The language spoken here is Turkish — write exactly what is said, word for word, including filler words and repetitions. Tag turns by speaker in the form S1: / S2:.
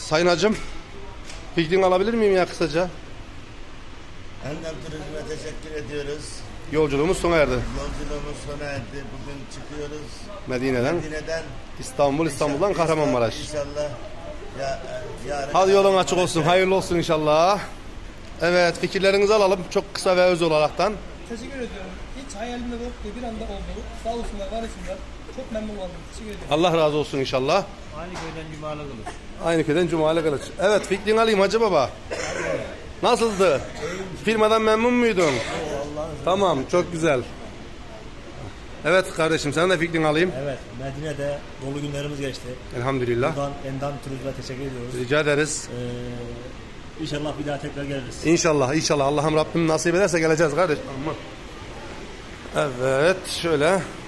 S1: Sayın hacım, fikrini alabilir miyim ya kısaca?
S2: Endem Turizm'e teşekkür ediyoruz.
S1: Yolculuğumuz sona erdi.
S2: Yolculuğumuz sona erdi. Bugün çıkıyoruz.
S1: Medine'den,
S2: Medine'den
S1: İstanbul, İstanbul'dan
S2: İnşallah-
S1: Kahramanmaraş.
S2: İnşallah. Ya, e, yarın
S1: Hadi yolun açık olsun, hayırlı olsun inşallah. Evet, fikirlerinizi alalım çok kısa ve öz olaraktan.
S3: Teşekkür ediyorum. Hiç hayalimde yoktu, bir anda oldu. Sağ olsunlar, var olsunlar. Çok memnun oldum. Teşekkür ediyorum.
S1: Allah razı olsun inşallah.
S4: Aynı köyden Cumalı Kılıç.
S1: Aynı köyden Cumali Kılıç. Evet, fikrini alayım Hacı Baba. Nasıldı? Firmadan memnun muydun? Tamam, çok güzel. Evet kardeşim, sen de fikrini alayım.
S5: Evet, Medine'de dolu günlerimiz geçti.
S1: Elhamdülillah.
S5: Buradan Endam Turizm'e teşekkür ediyoruz.
S1: Rica ederiz.
S5: Ee, inşallah bir daha tekrar geliriz.
S1: İnşallah, inşallah. Allah'ım Rabbim nasip ederse geleceğiz kardeş. Aman. Evet, şöyle.